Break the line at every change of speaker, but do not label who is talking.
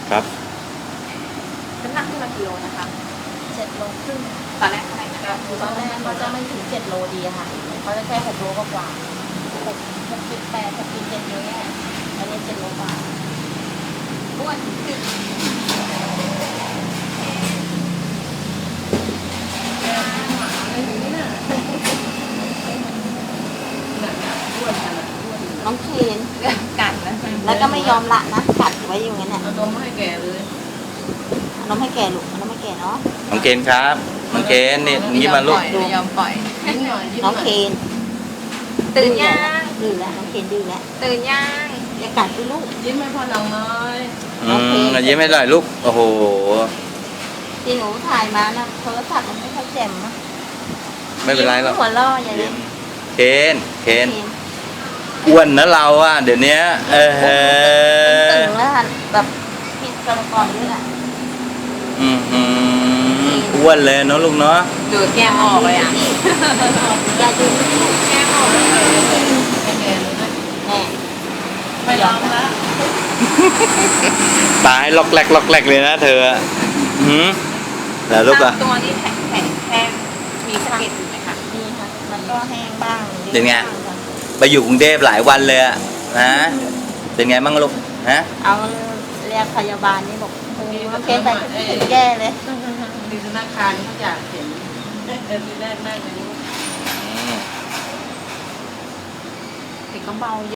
ครับ
น้ำหนักขึ้นมากิโลนะคะ
7 โลครึ่ง
ตอนแรกเท่าไหร่นะคะ
ตอนแรกเขาจะไม่ถึง7 โลดีอะค่ะเขาจะแค่6 โลกว่า6.8 6.7อย่างเงี้ยอันนี้7 โลกว่า
อ้วนขึ้น
น้องเคน
กัดนะ
แล้วก็ไม่ยอมละนะกัดไว้อยู่งั้นน่ะ
เอานมให้แกเลย
เอานมให้แกลูกเอานมให้แกเนาะ
น้องเคนครับน้องเคนนี่ยิ้มมาลูก
ไม่ยอมปล่อย
ยิ้มหน่อยยิ้มห
น้
น่
อง
อย
เคน
ตื่นยัง
ดื้อแล้วน้องเคนดื้อแล้ว
ตื่นยัง
อย่ากัดไปลูก
ยิ้มให้พ่อหนังน้อย
ยิ้มให้หน่อยลูกโอ้โห
ที่หนูถ่ายมานะโทรศัพท์มันไม่ค่อยแจ่มนะ
ไม่เป็นไรหรอก
หัวล่ออย่างนี้
เคนอ้วนนะเราอ่ะเดี๋ยวนี้
ตึงแล้วค่ะแบบผิดกระก่อนด้วยอ่ะ
อ้วนเลยเนาะลูกเนาะ
ดูดแก้มออกเลยอ่ะ
อย่าดู
แก้มออกเลย
ให้แกเลยนะ
แน่
ไม่ยอมละ
ตายล็อกแรกเลยนะเธอแล้วลูกอ่ะ
ตัวนี้แข็งมีสะเก็ดอยู่ไหมคะ
ดีค่ะมันก็แห้งบ้าง
เป็นไง ไปอยู่กรุงเทพหลายวันเลยอะนะเป็นไงบ้างลูกฮะ
เอาเรียกพยาบาลนี่บอกโอ้โหน้องเคนไปถึงแย่เลย
มีธนาคารเขาอยากเห็นทีแรกนั่งอย่างนี้
เด็กก็เบา